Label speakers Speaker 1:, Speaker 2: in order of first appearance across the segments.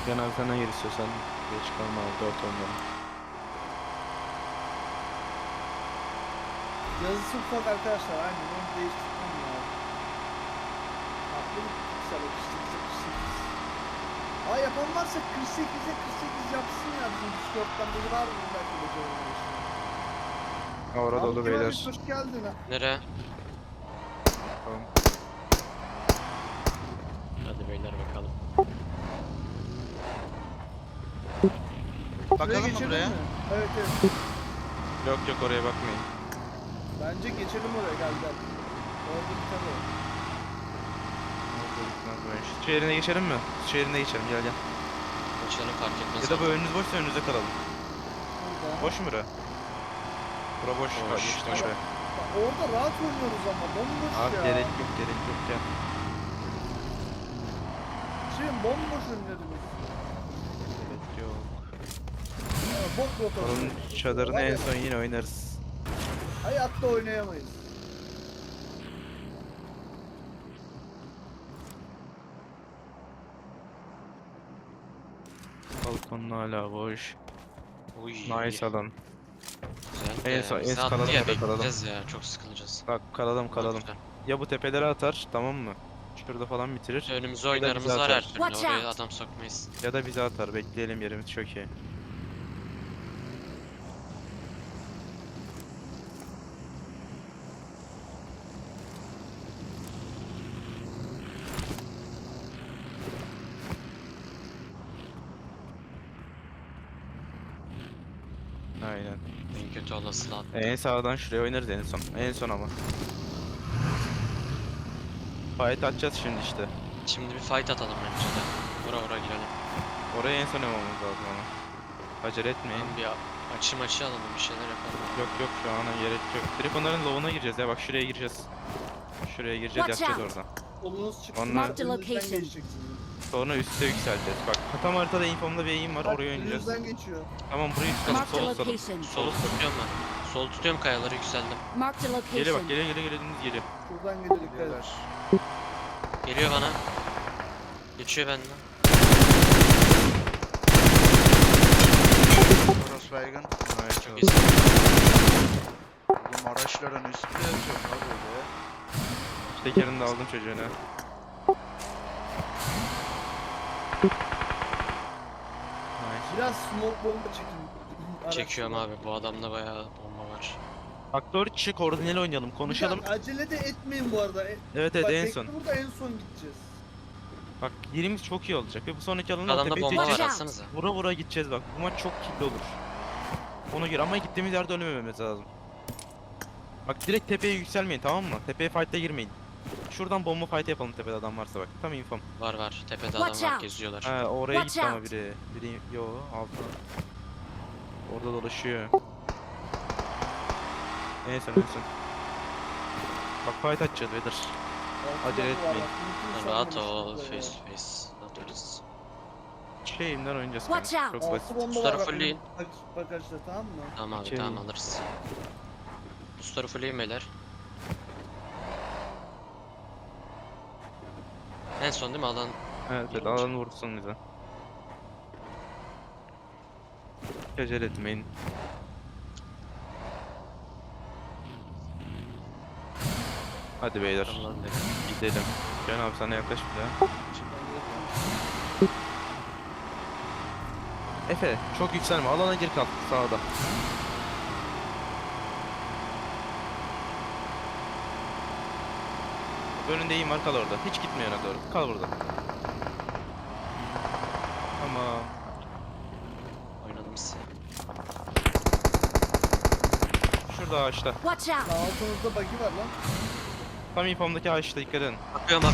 Speaker 1: Genel sana gir istiyorsan. Geç kalma abi 4 ondan.
Speaker 2: Yazısı ufak arkadaşlar. Aynen onu değiştirmem lazım. Farklı bir piksel o 48'e 48. Aa yapan varsa 48'e 48 yapsın ya bizim Discord'dan biri var mı belki de görmeyi.
Speaker 1: Orada dolu beyler.
Speaker 2: Hoş geldin ha.
Speaker 3: Nereye?
Speaker 1: Tamam.
Speaker 3: Hadi beyler bakalım.
Speaker 2: Buraya
Speaker 4: Bakalım mı
Speaker 2: geçelim
Speaker 4: buraya?
Speaker 2: mi? Evet evet.
Speaker 1: Yok yok oraya bakmayın.
Speaker 2: Bence geçelim oraya gel. Orada bir tane var.
Speaker 1: Orada gitmez bu iş. Su yerine geçelim mi? Su yerine geçelim gel gel.
Speaker 3: Uçlarım fark etmez.
Speaker 1: Ya da bu önünüz boşsa önünüze kalalım.
Speaker 2: Burada.
Speaker 1: Boş mu bura? Bura boş.
Speaker 3: Boş,
Speaker 1: Bak, geçtim
Speaker 3: boş.
Speaker 1: oraya.
Speaker 2: Bak, orada rahat oynuyoruz ama bomboş
Speaker 1: Abi
Speaker 2: ya.
Speaker 1: gerek yok gel.
Speaker 2: Şimdi bomboş önlerimiz.
Speaker 1: Gerek yok.
Speaker 2: Bok rotası.
Speaker 1: Onun çadırını en son yine oynarız.
Speaker 2: Hayatta oynayamayız.
Speaker 1: Balkonun hala boş.
Speaker 3: Uy.
Speaker 1: Nice alan.
Speaker 3: Güzel.
Speaker 1: En son- en
Speaker 3: bizi
Speaker 1: son
Speaker 3: attı
Speaker 1: kalalım
Speaker 3: ya,
Speaker 1: orada, kalalım.
Speaker 3: bekleyeceğiz ya. Çok sıkılacağız.
Speaker 1: Bak kalalım.
Speaker 3: Güzel.
Speaker 1: Ya bu tepelere atar tamam mı? Şurada falan bitirir.
Speaker 3: Önümüze
Speaker 1: Ya da
Speaker 3: oynarımız
Speaker 1: bizi
Speaker 3: var
Speaker 1: atar.
Speaker 3: her türlü.
Speaker 5: Watch
Speaker 3: Oraya
Speaker 5: out.
Speaker 3: adam sokmayız.
Speaker 1: Ya da bize atar. Bekleyelim yerimiz çok iyi. Aynen.
Speaker 3: En kötü olasılığı attı.
Speaker 1: En sağdan şuraya oynarız en son. En son ama. Fight atacağız şimdi işte.
Speaker 3: Şimdi bir fight atalım bence de. Vura girelim.
Speaker 1: Oraya en son yapmamız lazım ama. Acele etmeyin.
Speaker 3: Tamam, bir açı alalım, bir şeyler yapalım.
Speaker 1: Yok şu ana gerek yok. Direkt onların low'una gireceğiz ya bak şuraya gireceğiz. Şuraya gireceğiz
Speaker 5: Watch
Speaker 1: yapacağız
Speaker 5: out.
Speaker 1: oradan.
Speaker 2: Solunuz çıksın.
Speaker 1: Onlar-
Speaker 5: Marked
Speaker 2: önünüzden
Speaker 5: location.
Speaker 2: geçeceksiniz.
Speaker 1: Sonra üste yükseleceğiz. Bak tam haritada infomda bir eğim var
Speaker 2: Bak,
Speaker 1: oraya oynayacağız.
Speaker 2: önünüzden geçiyor.
Speaker 1: Tamam burayı tutalım
Speaker 5: Marked a
Speaker 1: sol tutalım.
Speaker 5: location.
Speaker 3: Sol tutuyorum ben. Sol tutuyorum, kayaları yükseldim.
Speaker 5: Marked a
Speaker 1: Geliyor bak
Speaker 5: location.
Speaker 1: geliyor dümdüz geliyor.
Speaker 2: Şuradan geliyor dikkat et.
Speaker 4: Geliyorlar.
Speaker 3: Geliyor bana. Geçiyor benden.
Speaker 4: Burası baygın.
Speaker 1: Evet,
Speaker 3: Çok
Speaker 1: çok
Speaker 3: iyisin.
Speaker 4: Oğlum araçların üstünde yazıyor ha böyle.
Speaker 1: Tekerini de aldım çocuğuna. Nice.
Speaker 2: Biraz smoke bomba çekin.
Speaker 3: Çekiyorum
Speaker 2: Araçlara.
Speaker 3: abi, bu adamda bayağı bomba var.
Speaker 1: Aktör çık koordineli oynayalım konuşalım.
Speaker 2: Bir dakika, acele de etmeyin bu arada.
Speaker 1: Evet
Speaker 2: Bak,
Speaker 1: en
Speaker 2: bekle
Speaker 1: son.
Speaker 2: burada en son gideceğiz.
Speaker 1: Bak yerimiz çok iyi olacak ve bu sonraki alanda
Speaker 3: Adamda
Speaker 1: tepeye
Speaker 3: bomba var,
Speaker 1: çekeceğiz.
Speaker 5: Watch out.
Speaker 3: atsanıza.
Speaker 1: Vura vura gideceğiz bak. Bu maç çok kilitli olur. Ona göre ama gittiğimiz yerde ölmememiz lazım. Bak direkt tepeye yükselmeyin tamam mı? Tepeye fight'ta girmeyin. Şuradan bomba fight yapalım tepede adam varsa bak. Tam infom.
Speaker 3: Var. Tepede
Speaker 5: Watch
Speaker 3: adam var,
Speaker 5: out.
Speaker 3: geziyorlar.
Speaker 1: Ha oraya
Speaker 5: Watch
Speaker 1: gitti ama
Speaker 5: out.
Speaker 1: biri yo altta. Orada dolaşıyor. En son. Bak fight atacağız Vedir. Acele
Speaker 2: Altı bomba var,
Speaker 1: etmeyin.
Speaker 2: bak, bütün
Speaker 3: Rahat
Speaker 2: sandım
Speaker 3: ol,
Speaker 2: işte
Speaker 3: face
Speaker 2: böyle.
Speaker 3: to face atarız.
Speaker 1: Şeyimden oynayacağız
Speaker 5: Watch
Speaker 1: kanka.
Speaker 5: out.
Speaker 1: Çok basit.
Speaker 2: Altı bomba
Speaker 3: Suları
Speaker 2: var bak,
Speaker 3: fullleyin.
Speaker 2: bagajda tamam mı?
Speaker 3: Tamam abi,
Speaker 1: İçeri
Speaker 3: tamam
Speaker 1: in.
Speaker 3: alırız. Boostları fullleyin beyler. En son değil mi alan?
Speaker 1: Evet alanı vursun bize. Hiç acele etmeyin. Hadi beyler
Speaker 3: Alan dedi.
Speaker 1: gidelim. Can abi sana yaklaş bir daha. Efe çok yükselme alana gir kal sağda. Önünde iyi var kal orada. Hiç gitme yana doğru. Kal burada. Tamam.
Speaker 3: Oynadım size.
Speaker 1: Şurada ağaçta.
Speaker 5: Watch out.
Speaker 2: Altınızda bug'i var lan.
Speaker 1: Tam infomdaki ağaçta dikkat edin.
Speaker 3: Bakıyorum.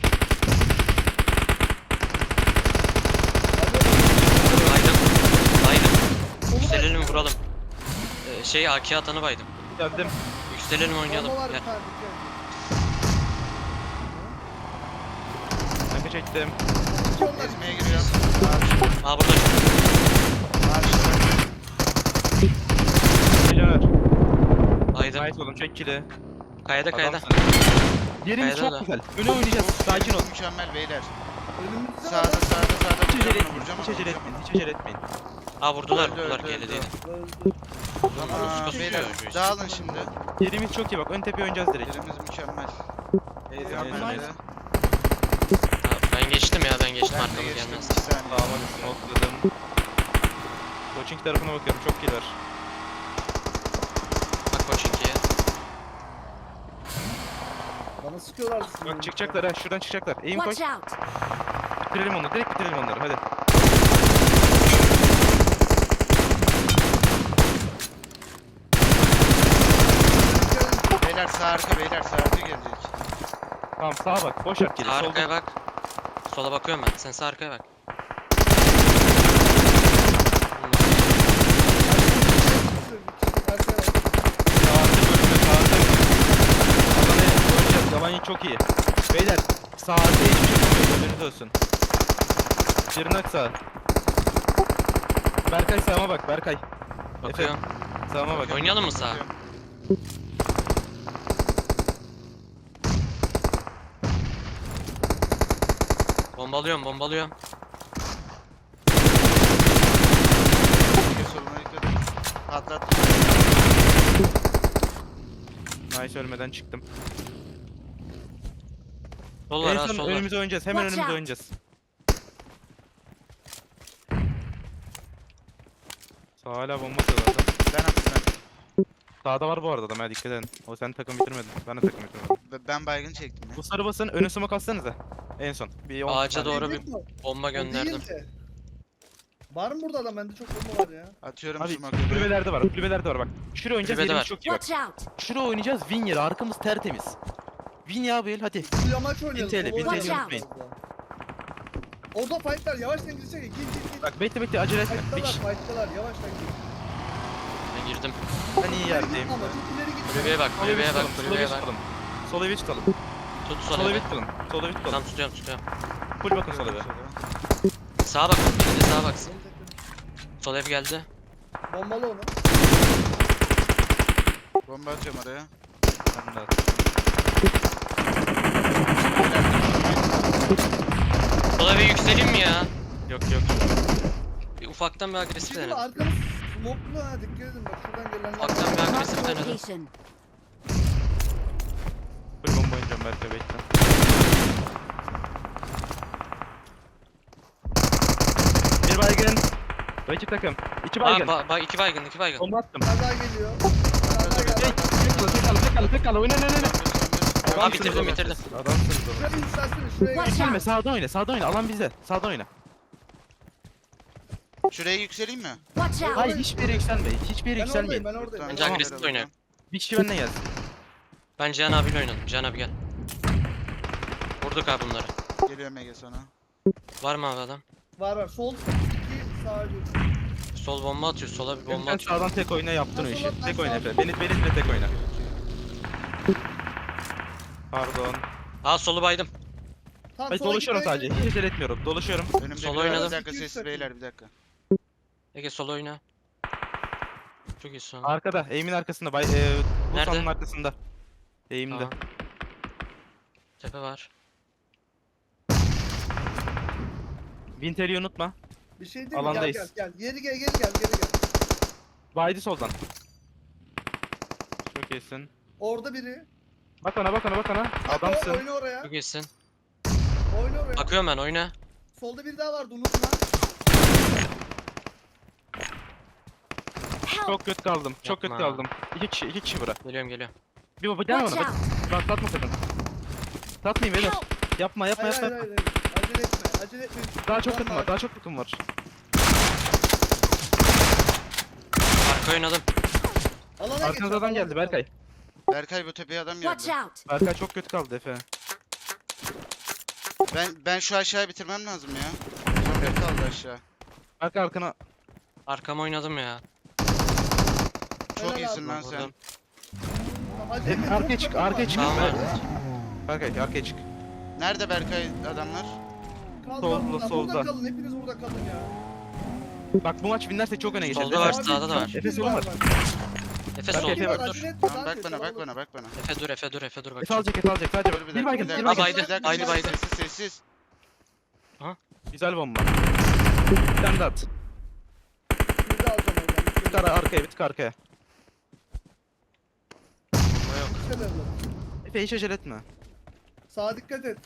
Speaker 3: Baydım. Yükselelim, vuralım. AK atanı baydım.
Speaker 1: Geldim.
Speaker 3: Yükselelim, oynayalım.
Speaker 2: Bomba var
Speaker 3: Gel.
Speaker 2: bir tane dikkat
Speaker 1: Kanka çektim.
Speaker 2: et. Onlar
Speaker 4: Ezmeye giriyorum. Karşı.
Speaker 3: Aa, burada.
Speaker 4: Karşıda.
Speaker 1: Caner.
Speaker 3: Baydım.
Speaker 1: Nice oğlum çek kili.
Speaker 3: Kayada.
Speaker 1: Adamsın. Yerimiz
Speaker 3: Kayada
Speaker 1: çok
Speaker 3: da.
Speaker 1: güzel. Öne oynayacağız. Sakin ol.
Speaker 4: Mükemmel beyler.
Speaker 2: Önümüzde
Speaker 4: Sağda
Speaker 2: adam.
Speaker 4: sağda.
Speaker 1: Hiç acele
Speaker 4: Vuracağım,
Speaker 1: etmeyin.
Speaker 4: vuracağım,
Speaker 1: Hiç acele
Speaker 4: vuracağım.
Speaker 1: etmeyin. Hiç acele etmeyin.
Speaker 3: Ha vurdular
Speaker 4: Öldü,
Speaker 3: vurdular
Speaker 4: öldü,
Speaker 3: GL'deydi.
Speaker 2: Öldü.
Speaker 4: Tamam
Speaker 3: Sıkı
Speaker 4: beyler
Speaker 3: sıkıyor.
Speaker 4: dağılın şimdi.
Speaker 1: Yerimiz çok iyi bak. Ön tepeye oynayacağız direkt.
Speaker 4: Yerimiz mükemmel.
Speaker 1: Tamam,
Speaker 4: Mükemmel.
Speaker 1: nice.
Speaker 3: Ha, ben geçtim ya ben geçtim
Speaker 4: Ben de
Speaker 3: arkamız
Speaker 4: geçtim
Speaker 3: gelmez.
Speaker 4: 2 saniye.
Speaker 1: Tamam hadi smokeladım. Coaching tarafına bakıyorum. Çok kill var.
Speaker 3: Bak Koçinki'ye.
Speaker 2: Bana sıkıyorlar.
Speaker 1: Bak çıkacaklar ha. Şuradan çıkacaklar. Aim koy.
Speaker 5: Watch out!
Speaker 1: Bitirelim onları. Direkt bitirelim onları. Hadi.
Speaker 4: Beyler sağ arka gelecek.
Speaker 1: Tamam sağa bak. Boş at geri.
Speaker 3: Sağ
Speaker 1: Solda.
Speaker 3: arkaya bak. Sola bakıyorum ben. Sen sağ arkaya bak.
Speaker 1: Sağda bölümde. Sağda. Adana'ya oynayacağız. Yabani çok iyi. Beyler. Sağda hiçbir şey yapamıyoruz. Önünüz olsun. Şırnak sağ. Berkay sağıma bak. Berkay.
Speaker 3: Bakıyorum.
Speaker 1: Sağıma bak.
Speaker 3: Oynayalım mı sağa? Bombalıyorum.
Speaker 4: Ege soluna dikkat et. Patlat.
Speaker 1: Nice ölmeden çıktım.
Speaker 3: Sol var
Speaker 1: En
Speaker 3: ha
Speaker 1: son
Speaker 3: sol var.
Speaker 1: önümüze oynayacağız. Hemen
Speaker 5: Watch
Speaker 1: önümüze
Speaker 5: out.
Speaker 1: oynayacağız. Sağ hala bomba sağlarda.
Speaker 4: Ben attım
Speaker 1: Sağda var bu arada adam ha dikkat edin. O sen takım bitirmedin. Ben de takım bitirmedim.
Speaker 4: ben baygın çektim ya.
Speaker 1: Bu sarı basın önü smoke atsanıza. En son. Bir 10
Speaker 3: Ağaca
Speaker 1: saniye.
Speaker 3: doğru bir bomba gönderdim.
Speaker 2: Var mı burada adam? Bende çok bomba var ya.
Speaker 4: Atıyorum
Speaker 1: Abi
Speaker 4: smoke'u.
Speaker 1: kulübelerde var. Kulübelerde var bak. Şuraya oynayacağız.
Speaker 3: Kulübede
Speaker 1: Yerimiz
Speaker 3: var.
Speaker 1: çok iyi bak.
Speaker 5: Watch out!
Speaker 1: Şuraya oynayacağız. Win yeri. Arkamız tertemiz. Win ya bu el hadi.
Speaker 2: Bu yamaç oynayalım.
Speaker 1: TL,
Speaker 2: Solo
Speaker 1: 1000 TL
Speaker 2: oynayalım.
Speaker 5: unutmayın.
Speaker 2: Orada fightlar yavaştan girsene. Gir.
Speaker 1: Bak bekle acele etme. Bir kişi.
Speaker 2: Fightlar yavaştan gir.
Speaker 3: Ben girdim.
Speaker 1: Ben iyi yerdeyim.
Speaker 2: Ama çok ileri git.
Speaker 3: Kulübeye bak,
Speaker 1: Sol evi
Speaker 3: kulübeye bak,
Speaker 1: tutalım. Sol
Speaker 3: kulübeye
Speaker 1: evi
Speaker 3: bak.
Speaker 1: tutalım. Sol evi tutalım.
Speaker 3: Tut
Speaker 1: Sol
Speaker 3: sol
Speaker 1: evi
Speaker 3: evi.
Speaker 1: tutalım. Sol evi tutalım.
Speaker 3: Tam tutuyorum.
Speaker 1: Full bakın sol evi.
Speaker 3: Sağa bak. Bir de sağa baksın. Sol ev geldi.
Speaker 2: Bombalı onu.
Speaker 4: Bomba atıyorum oraya.
Speaker 1: Ben de
Speaker 3: Sol eve yükseleyim mi ya?
Speaker 1: Yok.
Speaker 3: Bir ufaktan bir agresif
Speaker 2: Şimdi
Speaker 3: denedim.
Speaker 2: arkamız smoke'lu ha. Dikkat edin bak şuradan gelenler.
Speaker 3: Ufaktan bir
Speaker 5: Marked
Speaker 3: agresif
Speaker 5: a
Speaker 3: denedim.
Speaker 5: location.
Speaker 1: Full bomba oynayacağım belki bekle. Bir baygın. Rakip takım. İki baygın.
Speaker 3: Aa iki baygın.
Speaker 1: Bomba attım.
Speaker 2: Bir tane daha geliyor. Bir tane daha geldi.
Speaker 1: Tek kal. Oyna.
Speaker 3: Aa bitirdim.
Speaker 1: Adamsınız oğlum.
Speaker 2: Şuraya yükselsin. Şuraya
Speaker 5: Watch
Speaker 2: gel.
Speaker 1: Gelme sağda oyna. Alan bizde. Sağda oyna.
Speaker 4: Şuraya yükseleyim mi?
Speaker 5: Watch out!
Speaker 1: Hayır hiçbir yere yükselme. Hiçbir yere
Speaker 2: Ben oradayım.
Speaker 1: yükselmeyin.
Speaker 2: Ben oradayım.
Speaker 3: Bence
Speaker 1: Tamam.
Speaker 3: agresif oynayalım.
Speaker 1: Bir kişi benimle gelsin.
Speaker 3: Ben Cihan abiyle oynadım. Cihan abi gel. Vurduk abi bunları.
Speaker 4: Geliyorum Ege sana.
Speaker 3: Var mı abi adam?
Speaker 2: Var. Sol 2 sağ 1.
Speaker 3: Sol bomba atıyor. Sola bir bomba
Speaker 1: Sen
Speaker 3: atıyor.
Speaker 1: sağdan tek oyna yaptın o
Speaker 2: Ben
Speaker 1: işi.
Speaker 2: sola- ben
Speaker 1: Tek oyna
Speaker 2: sağ-
Speaker 1: Efe. Beni de tek oyna. Pardon.
Speaker 3: Aa solu baydım.
Speaker 2: Tamam,
Speaker 1: Ben
Speaker 2: sola
Speaker 1: dolaşıyorum
Speaker 2: gitmeye
Speaker 1: sadece.
Speaker 2: gerek
Speaker 1: Hiç acele etmiyorum. Dolaşıyorum.
Speaker 4: Önümde
Speaker 3: Sol
Speaker 4: bir
Speaker 3: oynadım.
Speaker 4: Bir dakika sessiz beyler bir dakika.
Speaker 3: Ege sol oyna. Çok iyi son.
Speaker 1: Arkada. Aim'in arkasında. Bu
Speaker 3: Nerede?
Speaker 1: sanın arkasında. Aim'de.
Speaker 3: Tamam. Tepe var.
Speaker 1: Winter'i unutma.
Speaker 2: Bir şey değil mi?
Speaker 1: Alandayız.
Speaker 2: Gel. Geri gel.
Speaker 1: Baydi soldan. Çok iyisin.
Speaker 2: Orada biri.
Speaker 1: Bak ona. Adamsın.
Speaker 2: Oyna oraya.
Speaker 3: Çok iyisin.
Speaker 2: Oyna oraya.
Speaker 3: Bakıyorum ben oyna.
Speaker 2: Solda biri daha vardı unutma.
Speaker 5: Help!
Speaker 1: Çok kötü kaldım. Çok kötü
Speaker 3: Yapma.
Speaker 1: kaldım. İki kişi bura.
Speaker 3: Geliyorum.
Speaker 1: Bir baba gel
Speaker 5: Watch
Speaker 1: bana.
Speaker 5: out!
Speaker 1: Bak satma sakın. Satmayayım beyler.
Speaker 5: Help!
Speaker 1: Yapma.
Speaker 2: Hayır. Acele etme.
Speaker 1: Daha çok takım var.
Speaker 3: Arka oynadım.
Speaker 2: Alana
Speaker 1: Arkanızda adam geldi Berkay.
Speaker 4: Berkay bu tepeye adam
Speaker 5: Watch
Speaker 4: geldi.
Speaker 5: out!
Speaker 1: Berkay çok kötü kaldı Efe.
Speaker 4: Ben şu aşağıya bitirmem lazım ya. Son bir kaldı aşağı.
Speaker 1: Berkay arkana.
Speaker 3: Arkama oynadım ya.
Speaker 4: Çok
Speaker 2: Helal
Speaker 4: iyisin
Speaker 2: abi.
Speaker 4: lan sen.
Speaker 3: Vurdum.
Speaker 1: Arkaya çık.
Speaker 3: Tamam abi.
Speaker 1: Berkay arkaya çık.
Speaker 4: Nerede Berkay adamlar?
Speaker 1: Solda.
Speaker 2: Burada kalın. Hepiniz burada kalın ya.
Speaker 1: Bak bu maç winlersek çok öne geçeriz.
Speaker 3: Solda var,
Speaker 1: Efe.
Speaker 3: sağda da var.
Speaker 1: Efe solun var.
Speaker 3: Efe
Speaker 1: Bak,
Speaker 3: sol.
Speaker 1: Efe bak,
Speaker 3: Dur.
Speaker 4: Tamam bak bana.
Speaker 3: Efe dur bak.
Speaker 1: Efe alacak sadece.
Speaker 4: Dur bir dakika.
Speaker 3: Aa, baydı,
Speaker 4: Bir dakika,
Speaker 3: baydı.
Speaker 4: Sessiz.
Speaker 1: Güzel bomba. Bir tane de at.
Speaker 2: Bir daha alacağım oradan.
Speaker 1: Bir tık arkaya, bir tık arkaya.
Speaker 3: Bomba yok.
Speaker 2: Dikkat et.
Speaker 1: Efe hiç acele etme.
Speaker 2: Sağa dikkat et.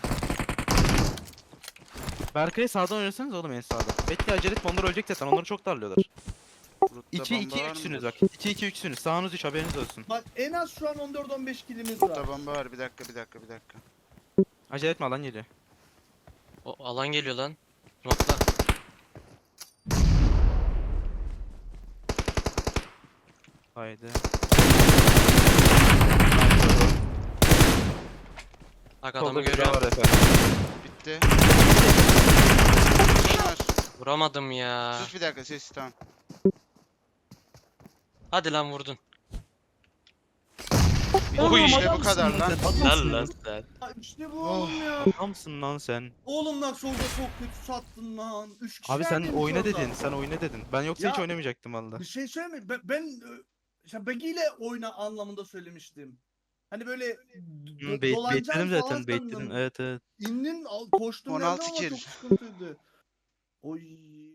Speaker 1: Berkay'ı sağdan oynasanız oğlum en sağda. Bekle acele etme, onlar ölecek zaten, onları çok darlıyorlar.
Speaker 4: Root'ta
Speaker 1: 2-2-3'sünüz
Speaker 4: bomba var
Speaker 1: bak. 2-2-3'sünüz. Sağınız 3, haberiniz olsun.
Speaker 2: Bak en az şu an 14-15 kilimiz
Speaker 4: mı?
Speaker 2: var.
Speaker 4: Root'ta bomba var. Bir dakika.
Speaker 1: Acele etme, alan geliyor.
Speaker 3: O alan geliyor lan. Nokta.
Speaker 1: Haydi.
Speaker 3: Bak
Speaker 1: Solda
Speaker 3: adamı
Speaker 1: bir daha
Speaker 3: görüyorum.
Speaker 1: var efendim.
Speaker 4: Bitti. Var.
Speaker 3: Vuramadım ya.
Speaker 4: Sus bir dakika ses tamam.
Speaker 3: Hadi lan vurdun.
Speaker 1: Oğlum,
Speaker 4: işte bu
Speaker 1: adamsın
Speaker 4: kadar lan.
Speaker 1: sen, adamsın
Speaker 3: Lan
Speaker 1: lan.
Speaker 3: lan sen.
Speaker 2: Ha, İşte bu
Speaker 4: Oh.
Speaker 2: oğlum ya.
Speaker 1: Adamsın lan sen.
Speaker 2: Oğlum lan solda çok kötü sattın lan. 3 kişi
Speaker 1: Abi sen
Speaker 2: neredeymiş
Speaker 1: oyna
Speaker 2: orada?
Speaker 1: dedin, sen oyna dedin. Ben yoksa hiç
Speaker 2: Ya-
Speaker 1: oynamayacaktım valla.
Speaker 2: Bir şey söyleyeyim mi? İşte Bagi ile oyna anlamında söylemiştim. Hani böyle
Speaker 1: Baitledim
Speaker 2: falan
Speaker 1: zaten, baitledim.
Speaker 2: sandım.
Speaker 1: Evet evet.
Speaker 2: İndin koştum
Speaker 4: 16
Speaker 2: geldim ama
Speaker 4: kill.
Speaker 2: çok sıkıntıydı. Oy.